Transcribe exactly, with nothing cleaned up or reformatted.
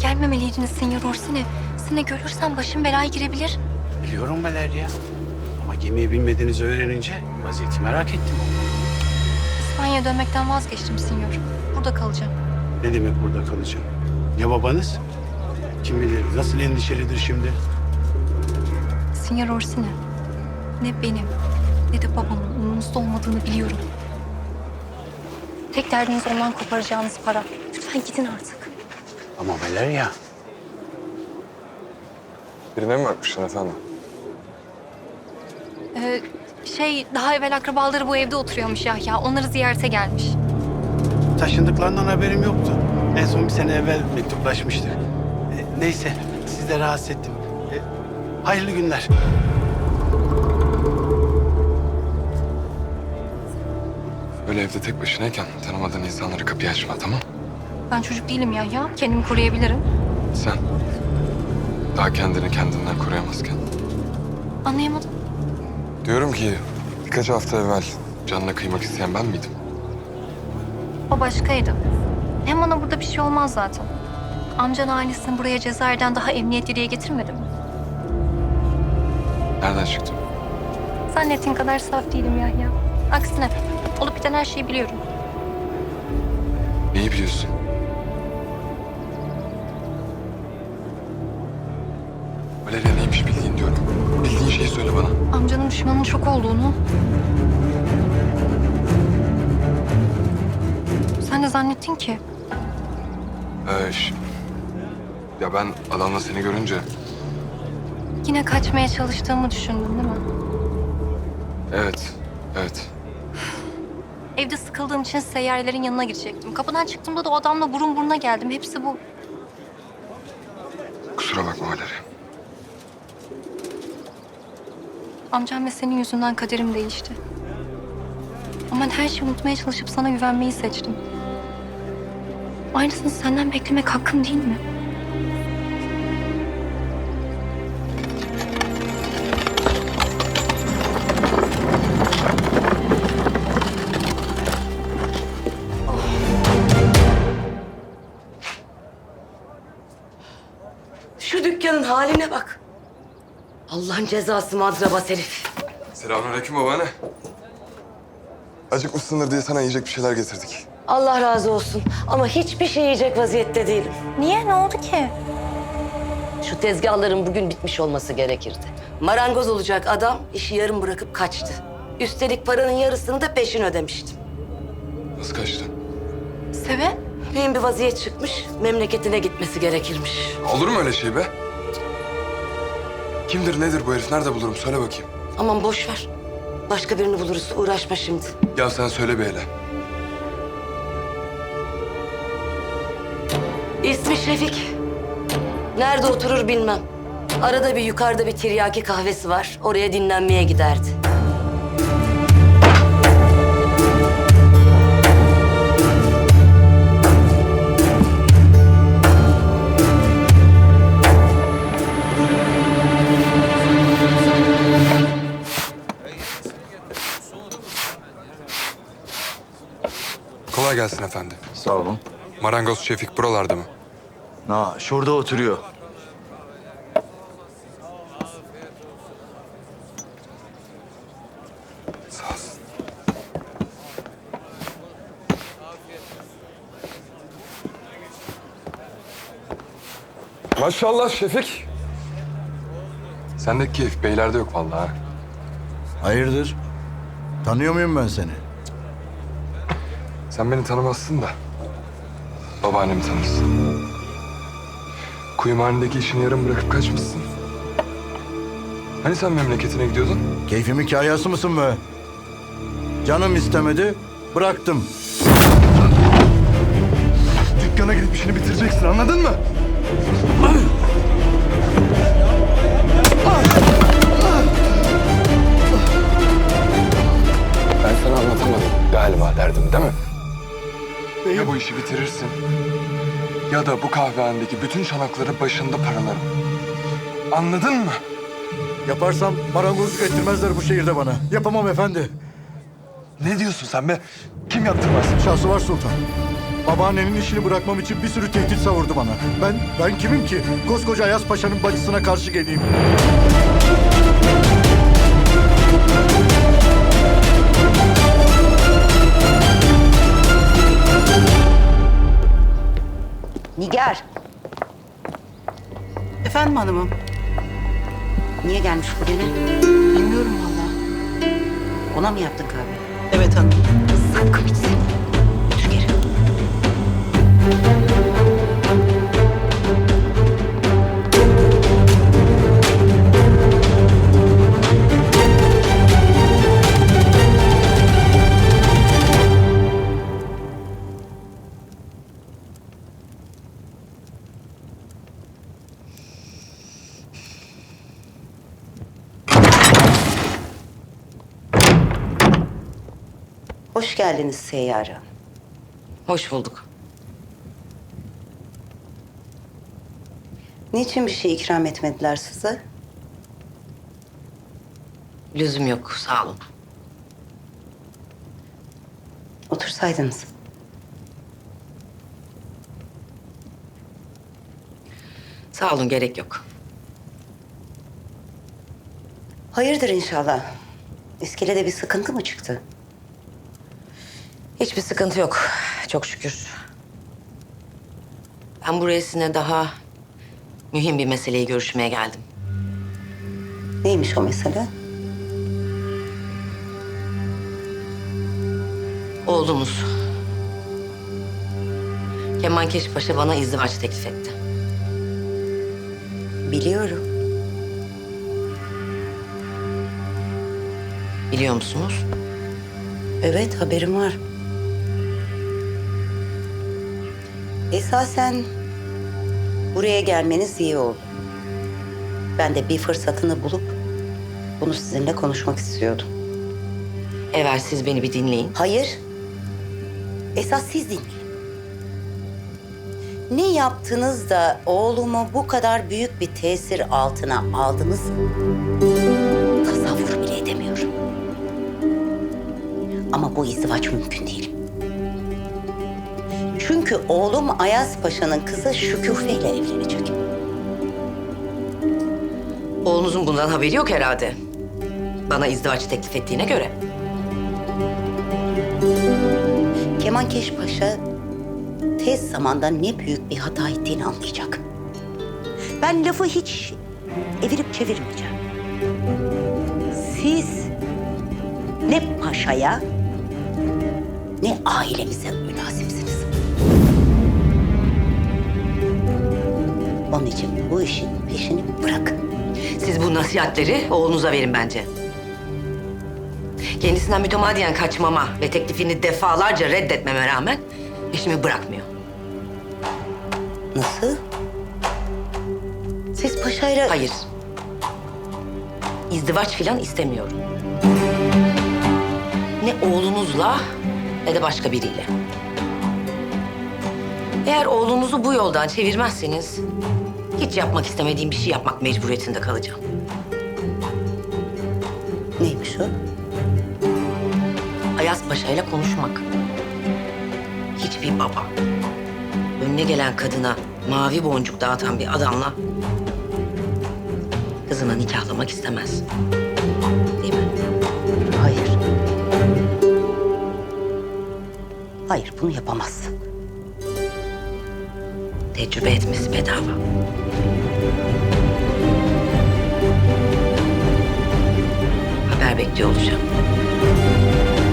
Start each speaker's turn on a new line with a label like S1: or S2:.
S1: Gelmemeliydiniz Senyor Orsini. Seni görürsem başım belaya girebilir.
S2: Biliyorum Valeria. Ama gemiyi bilmediğinizi öğrenince vaziyeti merak ettim.
S1: İspanya'ya dönmekten vazgeçtim Senyor. Burada kalacağım.
S2: Ne demek burada kalacağım? Ya babanız? Kim bilir nasıl endişelidir şimdi?
S1: Senyor Orsini, ne benim ne de babamın umurunuzda olmadığını biliyorum. Tek derdiniz ondan koparacağınız para. Lütfen gidin artık.
S2: Ama Valeria.
S3: Birine mi bakmışsın efendim?
S1: Ee, şey, daha evvel akrabaları bu evde oturuyormuş Yahya. Onları ziyarete gelmiş.
S2: Taşındıklarından haberim yoktu. En son bir sene evvel mektuplaşmıştık. E, neyse, sizi de rahatsız ettim. E, hayırlı günler.
S3: Öyle evde tek başınayken tanımadığın insanlara kapıyı açma, tamam?
S1: Ben çocuk değilim Yahya. Kendimi koruyabilirim.
S3: Sen daha kendini kendinden koruyamazken.
S1: Anlayamadım.
S3: Diyorum ki birkaç hafta evvel canına kıymak isteyen ben miydim?
S1: O başkaydı. Hem bana burada bir şey olmaz zaten. Amcan ailesini buraya Cezayir'den daha emniyetli diye getirmedi mi?
S3: Nereden çıktım?
S1: Zannettiğin kadar saf değilim Yahya. Aksine olup biten her şeyi biliyorum.
S3: Neyi biliyorsun? Valeria neymiş bildiğin diyorum. Bildiğin şeyi söyle bana.
S1: Amcanın düşmanın çok olduğunu... Sen de zannettin ki.
S3: Ee, ş- ya ben adamla seni görünce...
S1: Yine kaçmaya çalıştığımı düşündün değil mi?
S3: Evet, evet.
S1: Evde sıkıldığım için seyyarelerin yanına girecektim. Kapıdan çıktığımda da o adamla burun buruna geldim. Hepsi bu.
S3: Kusura bakma Valeria.
S1: Amcam ve senin yüzünden kaderim değişti. Ama ben her şeyi unutmaya çalışıp sana güvenmeyi seçtim. Aynısını senden beklemek hakkım değil mi?
S4: Şu dükkanın haline bak. Allah'ın cezası madrabas herif.
S3: Selamünaleyküm babaanne. Acıkmışsındır diye sana yiyecek bir şeyler getirdik.
S4: Allah razı olsun ama hiçbir şey yiyecek vaziyette değilim.
S1: Niye? Ne oldu ki?
S4: Şu tezgahların bugün bitmiş olması gerekirdi. Marangoz olacak adam işi yarım bırakıp kaçtı. Üstelik paranın yarısını da peşin ödemiştim.
S3: Nasıl kaçtın?
S1: Sebep?
S4: Mühim bir vaziyet çıkmış, memleketine gitmesi gerekirmiş.
S3: Olur mu öyle şey be? Kimdir nedir bu herif? Nerede bulurum? Söyle bakayım.
S4: Aman boş ver. Başka birini buluruz, uğraşma şimdi.
S3: Ya sen söyle bir hele.
S4: İsmi Şefik. Nerede oturur bilmem. Arada bir yukarıda bir tiryaki kahvesi var. Oraya dinlenmeye giderdi.
S3: Kolay gelsin efendi.
S5: Sağ olun.
S3: Marangoz Şefik buralarda mı?
S5: Ha, şurada oturuyor.
S3: Sağ olsun. Maşallah Şefik. Sendeki keyif beylerde yok vallahi. ha.
S5: Hayırdır? Tanıyor muyum ben seni?
S3: Sen beni tanımazsın da babaannemi tanırsın. Kuyumhanedeki işini yarım bırakıp kaçmışsın. Hani sen memleketine gidiyordun?
S5: Keyfimin kayası mısın be? Canım istemedi, bıraktım.
S3: Dükkana gidip işini bitireceksin, anladın mı? Ben sana anlatamadım galiba derdim değil mi? Ya bu işi bitirirsin ya da bu kahvehanedeki bütün çanakları başında paralarım. Anladın mı?
S5: Yaparsam marangozluk ettirmezler bu şehirde bana. Yapamam efendi.
S3: Ne diyorsun sen be? Kim yaptırmaz?
S5: Şahsı var sultan. Babaannenin işini bırakmam için bir sürü tehdit savurdu bana. Ben ben kimim ki? Koskoca Ayaz Paşa'nın bacısına karşı geleyim.
S6: Nigar,
S7: Efendim hanımım?
S6: niye gelmiş bu gene?
S7: Bilmiyorum valla.
S6: Ona mı yaptın kahve?
S7: Evet hanım.
S6: Sakın içsin. Otur geri. Hoş geldiniz Seyyare.
S4: Hoş bulduk.
S6: Niçin bir şey ikram etmediler size?
S4: Lüzum yok, sağ olun.
S6: Otursaydınız.
S4: Sağ olun, gerek yok.
S6: Hayırdır inşallah. İskelede bir sıkıntı mı çıktı?
S4: Hiçbir sıkıntı yok, çok şükür. Ben buraya sizinle daha mühim bir meseleyi görüşmeye geldim.
S6: Neymiş o mesele?
S4: Oğlumuz. Kemankeş Paşa bana izdivaç teklif etti.
S6: Biliyorum.
S4: Biliyor musunuz?
S6: Evet, haberim var. Esasen buraya gelmeniz iyi oldu. Ben de bir fırsatını bulup bunu sizinle konuşmak istiyordum.
S4: Evvel siz beni bir dinleyin.
S6: Hayır. Esas siz dinleyin. Ne yaptınız da oğlumu bu kadar büyük bir tesir altına aldınız? Tasavvur bile edemiyorum. Ama bu izdivaç mümkün değil. Çünkü oğlum Ayaz Paşa'nın kızı Şüküfe ile evlenecek.
S4: Oğlunuzun bundan haberi yok herhalde. Bana izdivaç teklif ettiğine göre.
S6: Kemankeş Paşa tez zamanda ne büyük bir hata ettiğini anlayacak. Ben lafı hiç evirip çevirmeyeceğim. Siz ne paşaya ne ailemize münasipsiniz. Onun için bu işin peşini bırakın.
S4: Siz bu nasihatleri oğlunuza verin bence. Kendisinden mütemadiyen kaçmama ve teklifini defalarca reddetmeme rağmen peşimi bırakmıyor.
S6: Nasıl? Siz paşayla...
S4: Hayır. İzdivaç filan istemiyorum. Ne oğlunuzla ne de başka biriyle. Eğer oğlunuzu bu yoldan çevirmezseniz hiç yapmak istemediğim bir şey yapmak mecburiyetinde kalacağım.
S6: Neymiş o?
S4: Ayaz Paşa ile konuşmak. Hiçbir baba önüne gelen kadına mavi boncuk dağıtan bir adamla kızını nikahlamak istemez. Değil mi?
S6: Hayır. Hayır, bunu yapamazsın.
S4: Tecrübe etmesi bedava. Haber bekliyor olacağım.